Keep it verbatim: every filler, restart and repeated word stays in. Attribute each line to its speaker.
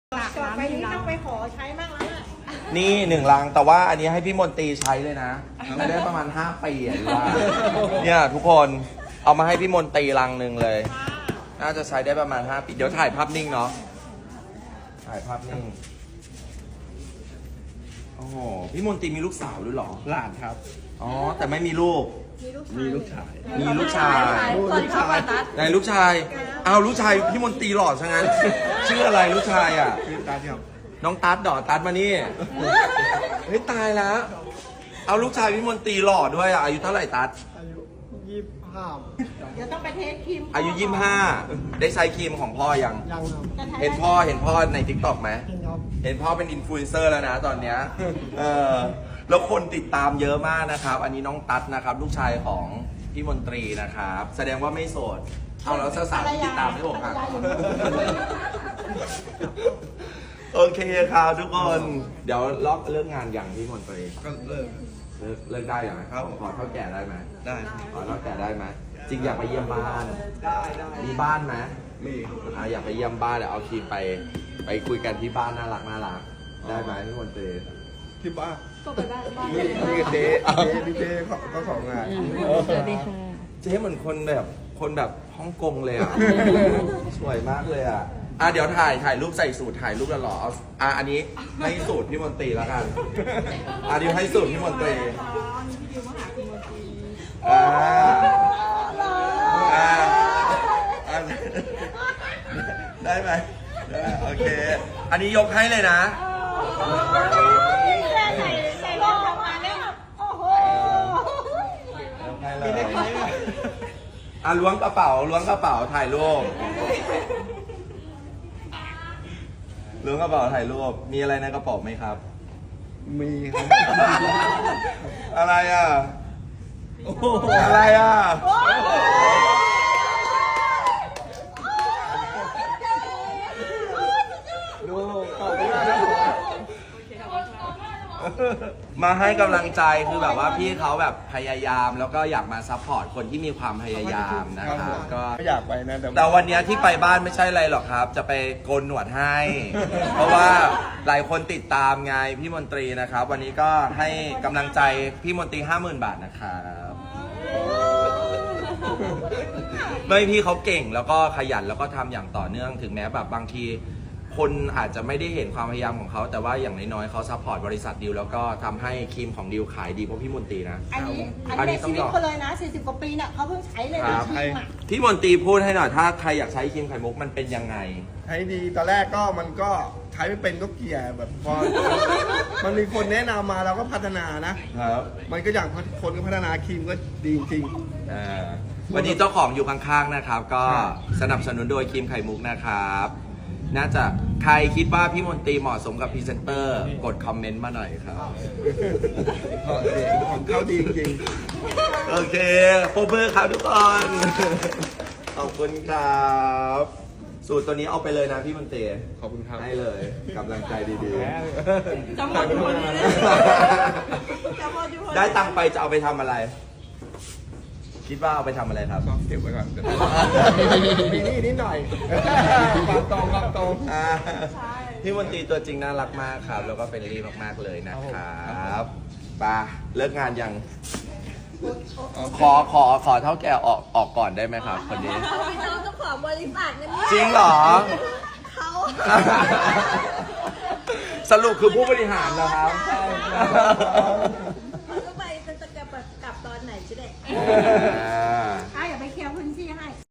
Speaker 1: ต่อไปนี้ต้องไปขอใช้บ้างแล้ว
Speaker 2: นี่หนึ่งลังแต่ว่าอันนี้ให้พี่มนตรีใช้เลยนะไม่ได้ประมาณห้าปีอ่ะว่าเนี่ยทุกคนเอามาให้พี่มนตรีลังหนึ่งเลย น่าจะใช้ได้ประมาณห้าปีเดี๋ยวถ่ายภาพนิ่งเนาะถ่ายภาพนิ่งโอ้โหพี่มนตรีมีลูกสาวด้วยเหรอ
Speaker 3: หลานครับ
Speaker 2: อ๋อแต่ไม่มีลูก
Speaker 3: มีลูกชาย
Speaker 2: มีลูกชาย
Speaker 3: ลูกชาย
Speaker 2: ไหนลูกชายเอาลูกชายพี่มนตรีหล่อซะงั้นชื่ออะไรลูกชายอ่ะ
Speaker 3: คือตาครับ
Speaker 2: น้องตัดดอตัดมานี่เฮ้ยตายแล้ว เอาลูกชายพี่มนตรีหล่อด้วยอ่ะอายุเท่าไหร่ตัด
Speaker 3: อายุยี่สิบห้า
Speaker 1: เดี๋ยวต้องไปเทสครีม
Speaker 2: อายุยี่สิบห้าได้ใช้ครีมของพ่อยัง
Speaker 3: ยังครับ
Speaker 2: เห็นพ่อเห็นพ่อในทิกตอกไหม
Speaker 3: ยังครับ
Speaker 2: เห็นพ่อเป็นอินฟลูเอนเซอร์แล้วนะตอนเนี้ยเออแล้วคนติดตามเยอะมากนะครับ อันนี้น้องตัดนะครับ ลูกชายของพี่มนตรีนะครับ แสดงว่าไม่โสดเอาแล้วสาวๆติดตามไม่ผมอ่ะโอเคครับทุกคนเดี๋ยวล็อกเรื่องงานอย่างพี่มนตรี
Speaker 3: ก็เลิก
Speaker 2: เลิกเลิกได้อย่างไรครับขอเท่าแก่ได้ไหม
Speaker 3: ได้
Speaker 2: ขอเท่าแก่ได้ไหมจริงอยากไปเยี่ยมบ้าน
Speaker 3: ได้ได้
Speaker 2: มีบ้านไหม
Speaker 3: มี
Speaker 2: อ่ะอยากไปเยี่ยมบ้านเดี๋ยวเอาครีมไป ไปคุยกันที่บ้านน่ารักน่ารักได้ไหมพี่มนตรี
Speaker 3: ที่บ้าน
Speaker 1: ก็ไปบ้านบ้าน
Speaker 3: นี่นี่เจ๊เจ๊พี่เจ๊เขาเขาของงาน
Speaker 1: สวัสดีค่ะ
Speaker 2: เจ๊เหมือนคนแบบคนแบบฮ่องกงเลยอ่ะ สวยมากเลยอ่ะอ่ะเดี๋ยวถ่ายถ่ายรูปใส่สูตรถ่ายรูปแล้วหรอเอาอ่ะอันนี้ให้สูตรพี่มนตรีแล้วกันอ่ะเดี๋ยวให้สูตรพี่มนตรีอ่าอ่าอ่ะได้ไหมได้โอเค อันนี้ยกให้เลยนะ
Speaker 1: ใส่ใส่รองทำงานได้แบบโอ้โห
Speaker 2: ยกให้เลยอ่ะล้วงกระเป๋าล้วงกระเป๋าถ่ายรูปล้วงกระเป๋าถ่ายรูปมีอะไรในกระเป๋าไหมครับ
Speaker 3: มีครับ
Speaker 2: อะไรอ่ะอะไรอ่ะ
Speaker 3: ดูขอบคุณมากครับ
Speaker 2: มาให้กำลังใจคือแบบว่าพี่เขาแบบพยายามแล้วก็อยากมาซัพพอร์ตคนที่มีความพยายามนะครับก็
Speaker 3: ไม่อยากไปนะแต่
Speaker 2: แต่วันเนี้ยที่ไปบ้านไม่ใช่อะไรหรอกครับ จะไปโกนหนวดให้ เพราะว่าหลายคนติดตามไงพี่มนตรีนะครับ วันนี้ก็ให้กำลังใจพี่มนตรีห้าหมื่นบาทนะครับไม่พี่เขาเก่งแล้วก็ขยันแล้วก็ทำอย่างต่อเนื่องถึงแม้แบบบางทีคนอาจจะไม่ได้เห็นความพยายามของเขาแต่ว่าอย่างน้อยๆเขาซัพพอร์ตบริษัทดิวแล้วก็ทำให้ครีมของดิวขายดีเพราะพี่มนตรีนะ
Speaker 1: อันนี้อันนี้ในชีวิตเขาเลยนะสี่สิบกว่าปีเนี่ยเขาเพิ่งใช้เลย
Speaker 2: ค
Speaker 1: นะ
Speaker 2: รับ
Speaker 1: ครีมอ่ะ
Speaker 2: พี่มนตรีพูดให้หน่อยถ้าใครอยากใช้ครีมไข่มุกมันเป็นยังไง
Speaker 3: ใช้ดีตอนแรกก็มันก็ใช้ไม่เป็นก็เกลี่ยแบบพอ มันมีคนแนะนำมาเราก็พัฒนานะ
Speaker 2: ครับ
Speaker 3: มันก็อย่างคนก็พัฒนาครีมก็ดีจริง
Speaker 2: อ่าวันนี้เจ้าของอยู่ข้างๆนะครับ ก็
Speaker 3: ครับ
Speaker 2: สนับสนุนโดยครีมไข่มุกนะครับ น่าจะใครคิดว่าพี่มนตรีเหมาะสมกับพรีเซนเตอร์กดคอมเมนต์มาหน่อยครับ
Speaker 3: ของเขาดีจริง
Speaker 2: โอเคโปรเบอร์ครับทุกคน ขอบคุณครับ สูตรตัวนี้เอาไปเลยนะพี่มนตรี
Speaker 3: ๆขอบคุณครับ
Speaker 2: ให้เลยกำลังใจดี
Speaker 1: จะหมดทุกคนเลยจะหมดทุกคน
Speaker 2: ๆ ได้ตังค์ไปจะเอาไปทำอะไร คิดว่าเอาไปทำอะไรครับ
Speaker 3: ก็เก็บไว้ก่อน มีหนี่นิดหน่อย ความตรงความตรง
Speaker 2: อ่าพี่มนตรีตัวจริงน่ารักมากครับ แล้วก็เป็นรีมากๆเลยนะครับไปาเลิกงานยัง ขอขอขอเท่าแก่ออกออกก่อนได้ไหมครับคนนี้
Speaker 1: เขาเป็นเจ้าของบริษัทนะเนี่ย
Speaker 2: จริงเหรอ
Speaker 1: เขา
Speaker 2: สรุปคือผู้บริหารนะครับ
Speaker 1: เขาก็ไปจะกลับกลับตอนไหนจะได้
Speaker 2: อ่า